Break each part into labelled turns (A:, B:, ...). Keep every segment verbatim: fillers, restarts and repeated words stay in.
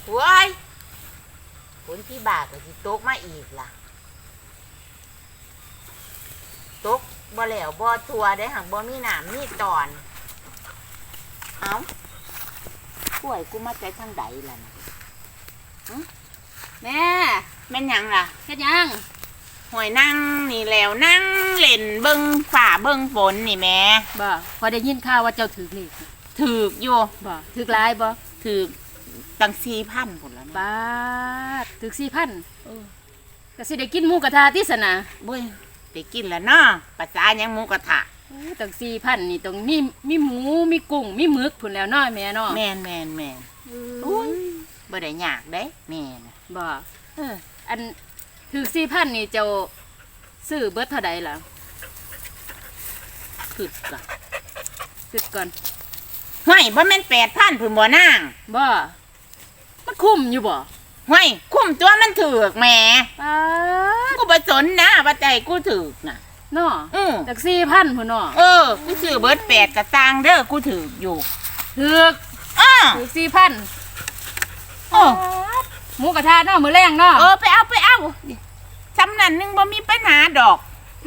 A: ว้ายฝนที่บากก็สิตกมาอีกล่ะตกบ่แล้วบ่ทัวได้หักบ่มีน้ำมีตอนเอ้าป่วยกูมาใจทางใดล่ะนะ
B: แม่
A: แม่นหยังล่ะ
B: เฮ็ดหยัง
A: หอยนั่งนี่แล้วนั่งเล่นเบิ่งฝ่าเบิ่งฝนนี่แม่
B: บ่พอได้ยินข่าวว่าเจ้าถือเลข
A: ถือกอยู่
B: บ่ถือหลายบ่
A: ถือกตั้งสี่พันพุ่นแล้ว
B: บาทถือสี่พันเออก็สิได้กินหมูกระทะติสนะ
A: บ่ยได้กินแล้วเนาะภาษาหยังหมูกระทะ
B: โอ้ตั้งสี่พันนี่ต้องมีมีหมูมีกุ้งมีหมึกพุ่นแล้วเนาะแม่เนาะ
A: แม่นแม่นแม่นอุ้ยบ่ได้ยากเด้แม่น่ะ
B: บ่เอออันถือสี่พันนี่เจ้าซื้อเบิดเท่าใดล่ะ
A: คิดก่อน
B: คิดก่อน
A: ห้วยบ่แม่นแปดพันพุ่นบ่นาง
B: บ่มันคุ้มอยู่บ่
A: ห้วยคุ้มตัวมันถูกแหม
B: ป๊าด
A: กูบ่สนนะว่าใจกูถูกน่ะ
B: เนาะ
A: อือ
B: จักสี่พันพุ่นเนาะ
A: เออกูซื้อเบิดแปดก็ต่างเด้อกูถูกอยู่
B: ถูก
A: อ้อ
B: ถูกสี่พัน
A: โอ้
B: หมูกระทะเนาะมื้อแรงเนาะ
A: เออไปเอาไปเอาสำนั้นนึงบ่มีปัญหาดอก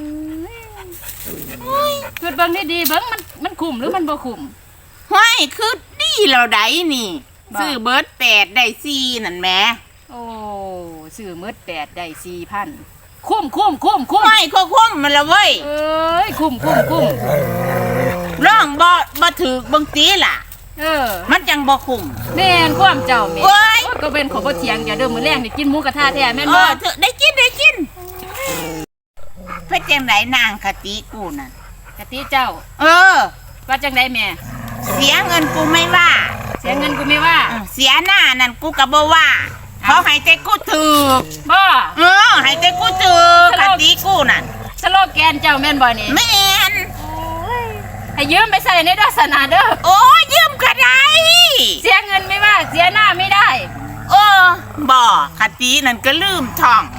B: อุ้ยคิดเบิ่งดีๆเบิ่งมันมันคุ้มหรือมันบ่คุ้ม
A: ห้วยคือดีแล้วได้นี่ซื้อเบิดแปดได้สี่นั่นแหม
B: โอ้ซื้อเบิดแปดได้สี่พันคุ้มคุ้มคุ้มคุ้ม
A: ไม่ก็คุ้มมันละเว้ย
B: เอ้ยคุ้มคุ้มคุ้ม
A: ร้องบ่บ่ถือบังตีล่ะ
B: เออ
A: มันจังบ่คุ้ม
B: แม่นความเจ้าแม่ก็เป็นของบ่เถียงอย่าเด้อมื้อแรงนี่กินหมูกระทะแท้แม่นบ่
A: เออได้กินได้กินเพิ่นจังได๋นางคติกูนั่น
B: คติเจ้า
A: เออ
B: ว่าจังได๋แม่
A: เสียเงินกูไม่ว่า
B: เสียเงินกูไม่ว่า
A: เสียหน้านั่นกูก็บ่ว่าเขาให้แต่กูถูก
B: บ่
A: เออให้แต่กูถูกคติกูนั่น
B: สโลแกนเจ้าแม่นบ่นี่
A: แม่น
B: ให้ยืมไปใส่ในศาสนาเด้อ
A: โอ้ยืมก็ได้
B: เสียเงินไม่ว่าเสียหน้าไม่ได้
A: เออบ่คตินั่นก็ลืมท่อง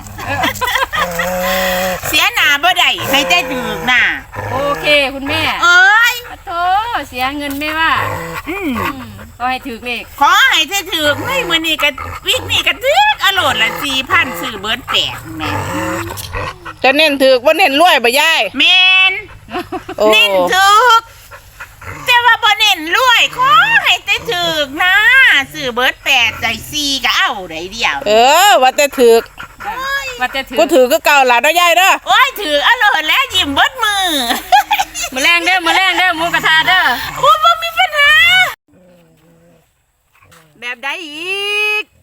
A: เสียหน้าบ่ได้ให้แต่ถูกน่ะ
B: โอเคคุณแม่
A: เอ้ย
B: โธ่เสียเงินไม่ว่า
A: อืม
B: ขอให้ถูกเลข
A: ขอให้ได้ถูกเฮ้ยมื้อนี้ก็วิกนี้ก็ถูกอโลดละสี่พันซื้อเบิดแปดแม่
C: จะเน้นถูกบ่เน้นรวยบ่ยาย
A: แม่นเน้นถูกแต่ว่าบ่เน้นรวยขอให้ได้ถูกนะซื้อเบิดแปดใจสี่ก็เอาได้เดียว
C: เออว่าแต่ถูก
B: ว่าแต่ถูก
C: กูถือก็เก่าหลานเนาะยายเด้อ
A: โอ้ยถืออโลดแล้วยิ้มเบิดมือ
B: มื้อแรงเด้อมื้อแรงเด้อหมูกระทะเด้อ
A: โอ้บ่มีปัญหาแบบใดอีก